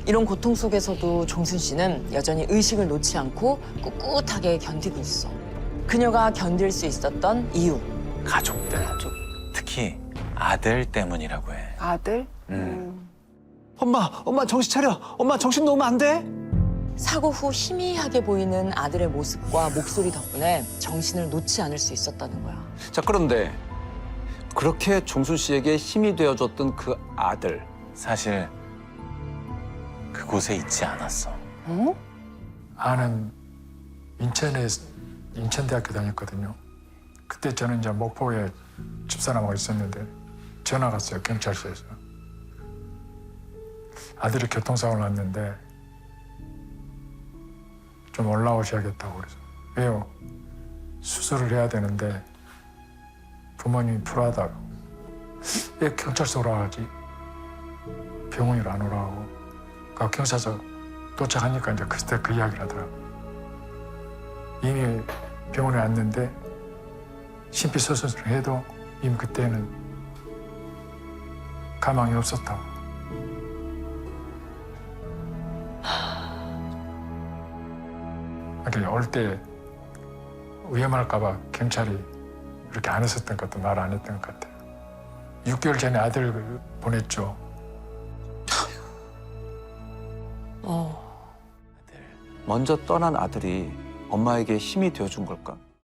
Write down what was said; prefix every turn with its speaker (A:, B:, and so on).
A: 이런 고통 속에서도 종순 씨는 여전히 의식을 놓지 않고 꿋꿋하게 견디고 있어. 그녀가 견딜 수 있었던 이유.
B: 가족들. 특히 아들 때문이라고 해.
C: 아들?
D: 엄마 정신 차려. 엄마 정신 놓으면 안 돼.
A: 사고 후 희미하게 보이는 아들의 모습과 목소리 덕분에 정신을 놓지 않을 수 있었다는 거야.
D: 자, 그런데 그렇게 종순 씨에게 힘이 되어줬던 그 아들.
B: 사실 그곳에 있지 않았어.
E: 아는 인천대학교 다녔거든요. 그때 저는 이제 목포에 집사람하고 있었는데 전화가 왔어요, 경찰서에서. 아들이 교통사고를 났는데 좀 올라오셔야겠다고 그래서. 왜요? 수술을 해야 되는데 부모님이 불하다고. 왜 경찰서 오라 하지? 병원을 안 오라고. 그 경찰서 도착하니까 이제 그때 그 이야기를 하더라고. 이미 병원에 왔는데 심폐소생술을 해도 이미 그때는 가망이 없었다고. 그러니까 올 때 위험할까 봐 경찰이 그렇게 안 했었던 것도 말 안 했던 것 같아요. 6개월 전에 아들을 보냈죠.
D: 먼저 떠난 아들이 엄마에게 힘이 되어준 걸까?